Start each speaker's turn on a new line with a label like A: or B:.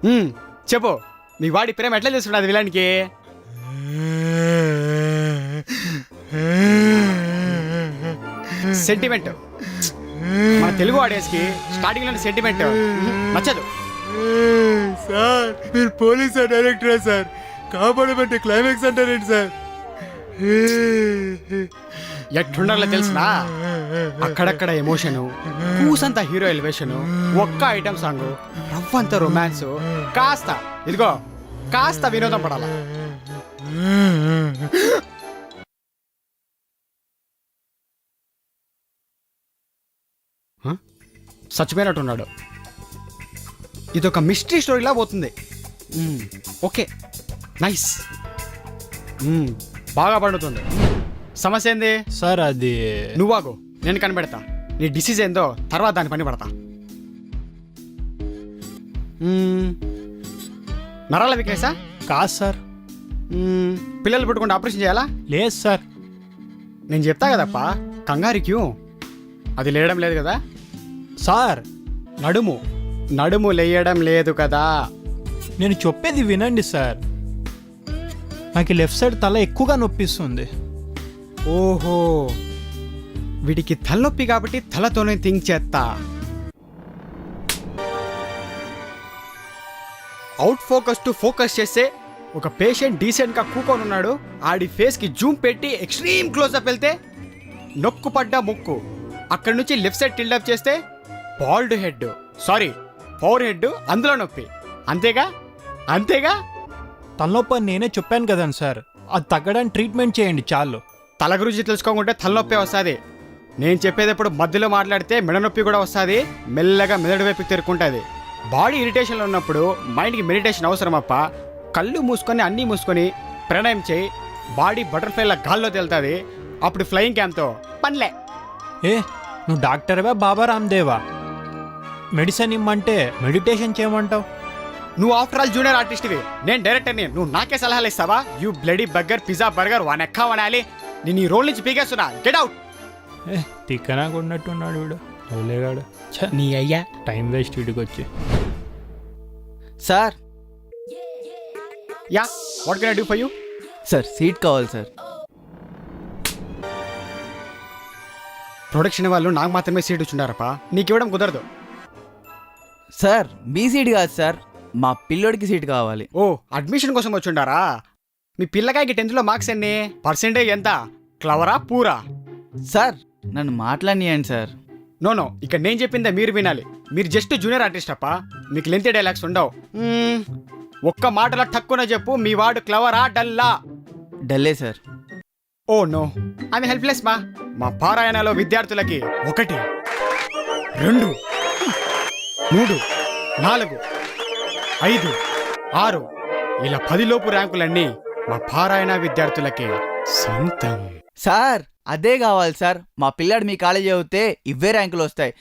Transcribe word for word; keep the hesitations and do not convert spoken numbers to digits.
A: ఉమ్, చెప్పు మీ వాడి ప్రేమ ఎట్లా చేస్తున్నది విలానికి? సెంటిమెంట్ మన తెలుగు ఆడియన్స్కి స్టార్టింగ్ లోనే సెంటిమెంట్ నచ్చదు.
B: సార్ మీరు పోలీస్ డైరెక్టరా సార్? కాపాడమంటే క్లైమాక్స్ అంటారేంటి సార్?
A: ఎట్లుండాలో తెలిసినా అక్కడక్కడ ఎమోషను, కూసంత హీరో ఎలివేషను, ఒక్క ఐటమ్ సాంగ్, రవ్వంత రొమాన్స్, కాస్త ఇదిగో కాస్త వినోదం పడాల. చచ్చిపోయినట్టున్నాడు. ఇదొక మిస్టరీ స్టోరీలా పోతుంది. ఓకే నైస్, బాగా పండుతుంది. సమస్య ఏంది
B: సార్? అది
A: నువ్వాగు, నేను కనిపెడతా. నీ డిసీజ్ ఏందో తర్వాత దాని పని పడతా. మ్మ్. నరాల వీక్నెసా?
B: కాదు సార్.
A: మ్మ్. పిల్లలు పుట్టుకుంటే ఆపరేషన్ చేయాలా?
B: లేదు సార్.
A: నేను చెప్తా కదప్ప, కంగారు క్యూ. అది లేయడం లేదు కదా
B: సార్?
A: నడుము నడుము లేయడం లేదు కదా.
B: నేను చెప్పేది వినండి సార్. నాకు లెఫ్ట్ సైడ్ తల ఎక్కువగా నొప్పిస్తుంది.
A: ఓహో, వీడికి తలనొప్పి కాబట్టి తలతోనే థింక్ చేస్తా. అవుట్ ఫోకస్ టు ఫోకస్ చేస్తే ఒక పేషెంట్ డీసెంట్గా కూకొని ఉన్నాడు, ఆడి ఫేస్కి జూమ్ పెట్టి ఎక్స్ట్రీమ్ క్లోజ్అప్ వెళ్తే నొక్కు పడ్డ ముక్కు, అక్కడి నుంచి లెఫ్ట్ సైడ్ టిల్డప్ చేస్తే bald head, sorry power head, అందులో నొప్పి. అంతేగా అంతేగా
B: తలనొప్పి అని నేనే చెప్పాను కదండి సార్. అది తగ్గడానికి ట్రీట్మెంట్ చేయండి చాలు.
A: తల గురించి తెలుసుకోకుంటే తలనొప్పి వస్తుంది. నేను చెప్పేటప్పుడు మధ్యలో మాట్లాడితే మెడ నొప్పి కూడా వస్తుంది, మెల్లగా మెదడు వైపు తెరుకుంటుంది. బాడీ ఇరిటేషన్లో ఉన్నప్పుడు మైండ్కి మెడిటేషన్ అవసరం అప్ప. కళ్ళు మూసుకొని అన్నీ మూసుకొని ప్రాణాయామం చేయి, బాడీ బటర్ఫ్లైలా గాల్లో తేలుతుంది. అప్పుడు ఫ్లయింగ్ క్యాంప్తో పనిలే.
B: ఏ నువ్వు డాక్టర్వా బాబా రామ్దేవా? మెడిసిన్ ఇమ్మంటే మెడిటేషన్ చేయమంటావు?
A: నువ్వు ఆఫ్టర్ ఆల్ జూనియర్ ఆర్టిస్ట్వి, నేను డైరెక్టర్ని. నువ్వు నాకే సలహాలు ఇస్తావా? You bloody burger pizza burger one ఎక్కా వనాలి. నేను ఈ రోల్ నుంచి పీకేస్తున్నా, గెట్ అవుట్.
B: ఏ తిక్కనా కొన్నట్టున్నాడు వీడు, లేగాడు.
A: నీ అయ్యా
B: టైం వేస్ట్ వీడికి వచ్చి.
C: Sir
A: yeah what can I do for you?
C: Sir seat కావాలి సార్.
A: ప్రొడక్షన్ వాళ్ళు నాకు మాత్రమే సీట్ ఇచ్చుండారప్ప, నీకు ఇవ్వడం కుదరదు.
C: సార్ మీ సీట్ కాదు సార్, మా పిల్లోడికి సీట్ కావాలి.
A: ఓ అడ్మిషన్ కోసం వచ్చుండారా? మీ పిల్లకాయకి టెన్త్లో మార్క్స్ ఎన్ని? పర్సెంటేజ్ ఎంత? క్లవరా పూరా?
C: సార్ నన్ను మాట్లాడియండి సార్.
A: నో నో, ఇక్కడ నేను చెప్పిందే మీరు వినాలి. మీరు జస్ట్ జూనియర్ ఆర్టిస్ట్ అప్ప, మీకు లెంత్ డైలాగ్స్ ఉండవు. మ్మ్, ఒక్క మాటలో టక్కున చెప్పు, మీ వాడు క్లవరా డల్లా?
C: డల్లే సార్.
A: ఓ నో, ఆమె హెల్ప్లెస్ మా. మా పారాయణలో విద్యార్థులకి ఒకటి, రెండు, మూడు, నాలుగు, ఐదు, ఆరు ఇలా పదిలోపు ర్యాంకులన్నీ మా పారాయణ విద్యార్థులకి సొంతం.
C: సార్ అదే కావాలి సార్. మా పిల్లాడు మీ కాలేజీ చదివితే ఇవే ర్యాంకులు వస్తాయి.